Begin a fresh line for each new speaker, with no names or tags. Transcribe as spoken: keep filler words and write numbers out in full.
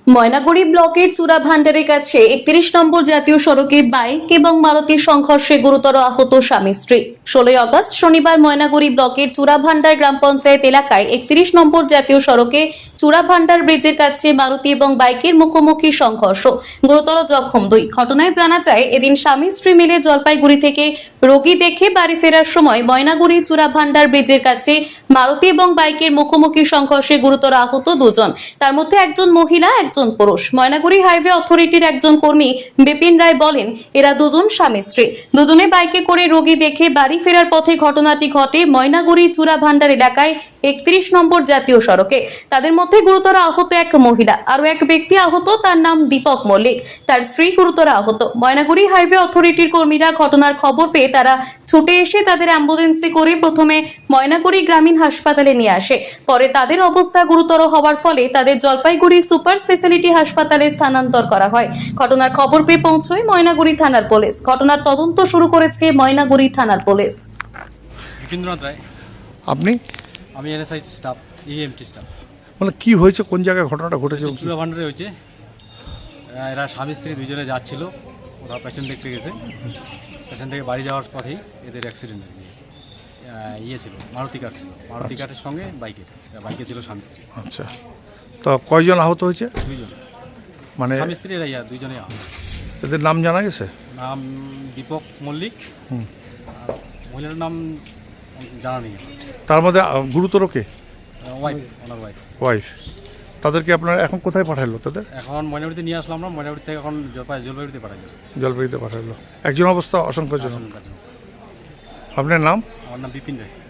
ময়নাগুড়ি ব্লকের চূড়াভান্ডারের কাছে একত্রিশ নম্বর জাতীয় সড়কে বাইক এবং মারুতির সংঘর্ষে গুরুতর আহত স্বামী স্ত্রী। ষোলোই আগস্ট শনিবার ময়নাগুড়ি ব্লকের চূড়াভান্ডার গ্রাম পঞ্চায়েত এলাকায় একত্রিশ নম্বর জাতীয় সড়কে চূড়াভান্ডার ব্রিজের কাছে মারুতি এবং বাইকের মুখোমুখি সংঘর্ষ, গুরুতর জখম দুই। ঘটনায় জানা যায়, এদিন স্বামী স্ত্রী মিলে জলপাইগুড়ি থেকে রোগী দেখে বাড়ি ফেরার সময় ময়নাগুড়ি চূড়াভান্ডার ব্রিজের কাছে মারুতি এবং বাইকের মুখোমুখি সংঘর্ষে গুরুতর আহত দুজন, তার মধ্যে একজন মহিলা একজন পুরুষ। ময়নাগুড়ি হাইওয়ে অথরিটির একজন কর্মী বিপিন রায় বলেন, এরা দুজন স্বামী স্ত্রী, দুজনে বাইকে করে রোগী দেখে বাড়ি ফেরার পথে ঘটনাটি ঘটে ময়নাগুড়ি চূড়াভান্ডার এলাকায় একত্রিশ নম্বর জাতীয় সড়কে। তাদের মধ্যে গুরুতর আহত এক মহিলা, আরো এক ব্যক্তি আহত, তার নাম দীপক মল্লিক, তার স্ত্রী গুরুতর আহত। ময়নাগুড়ি হাইওয়ে অথরিটির কর্মীরা ঘটনার খবর পেয়ে তারা ছুটে এসে তাদের অ্যাম্বুলেন্সে করে প্রথমে ময়নাগুড়ি গ্রামীণ হাসপাতালে নিয়ে আসে। পরে তাদের অবস্থা গুরুতর হওয়ার ফলে তাদের জলপাইগুড়ি সুপার স্পেশালিটি হাসপাতালে স্থানান্তর করা হয়। ঘটনার খবর পেয়ে পৌঁছয় ময়নাগুড়ি থানার পুলিশ। ঘটনার তদন্ত শুরু করেছে ময়নাগুড়ি থানার পুলিশ।
রবীন্দ্রনাথ রায়।
আপনি?
আমি এনএসআই স্টাফ, ইএমটি স্টাফ।
মানে কি হয়েছে, কোন জায়গায় ঘটনাটা ঘটেছে?
চূড়াভান্ডারে হয়েছে। এরা স্বামী স্ত্রী দুজনে যাচ্ছিল, ওরা পেশেন্ট দেখতে গেছে। পেশেন্ট থেকে বাড়ি যাওয়ার পথেই এদের অ্যাক্সিডেন্ট আর কি। ইয়ে ছিল, মারুতি কার ছিল, মারুতি কারের সঙ্গে বাইকের, বাইকে ছিল স্বামী স্ত্রী।
আচ্ছা, তো কয়জন আহত হয়েছে?
দুইজন,
মানে
স্বামী স্ত্রী এরা ইয়া দুইজনে আহত।
এদের নাম জানা গেছে?
নাম দীপক মল্লিক,
হুম।
আর মহিলার নাম জানা নেই।
তার মধ্যে গুরুতর কে?
ওয়াইফ, ওনার ওয়াইফ।
ওয়াইফ। তাদেরকে আপনারা এখন কোথায় পাঠালো? তাদের
এখন ময়নাগুড়িতে নিয়ে আসলাম আমরা, ময়নাগুড়ি থেকে এখন জলপাই জলপাইগুড়িতে পাঠাই যাবে।
জলপাইগুড়িতে পাঠালো। একজন অবস্থা আশঙ্কাজনক।
আসুন কাজে।
আপনার নাম?
আমার নাম বিপিন রায়।